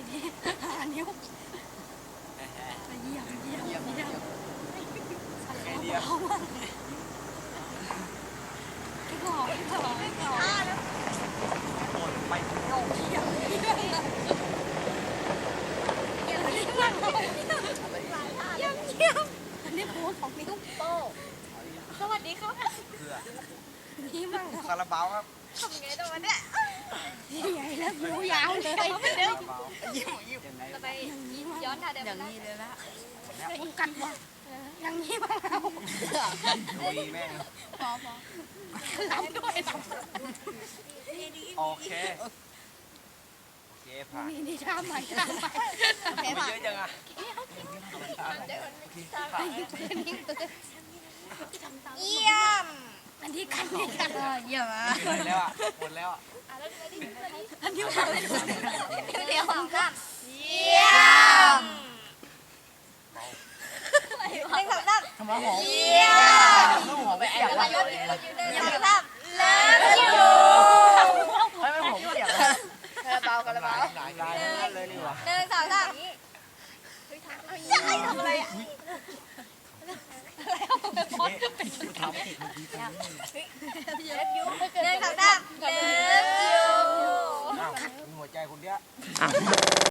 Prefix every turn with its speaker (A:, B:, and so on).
A: นี้นิ้วเยี่ยมเอามากหล่อ
B: ไป
A: อันนี้โพสของนิ้วโป้สวัสดีครับนี่มั่ง
B: คาราบาวครับ
A: ทำไงตัวเนี่ยใหญ่แล้วนิ้วยาวเลย
B: ยิ้ม
A: ไปอย่างนี้มั้งย้อนท่าเดิมอย่างนี้เลยละต้องกันวะอย่างนี้มั้งเรา
B: ดุยแม่ง
A: พอลำด้วยลำ
B: โอเคผ่าน
A: นี่ท่าใหม่
B: เยอะจังอ่ะ
A: เยี่ยมอันนี้กันนี่กันเยี่ยมอ่ะ
B: หมดแล้วอ่ะหมดแล้วอ่ะ
A: อันนี้ทำได้เดียวของกัน
C: เยี่ยม
A: หนึ่งสองสาม
B: ทำไมหอม
C: เยี่ยม
B: น้ำหอมไปแอบไว้
C: หนึ่งสองสามเลิฟยู
B: ให้มันหอมเสียบ
C: กระเป๋ากระเป๋า
B: หลายเลยนี่หว่า
C: หนึ่งสองสามจะให้ทำอะไรอ่ะ
B: ทำผิดเมื่อกี้
C: หนึ่งสองสามเลิฟยู
B: อ้าวมีหัวใจคนเดียว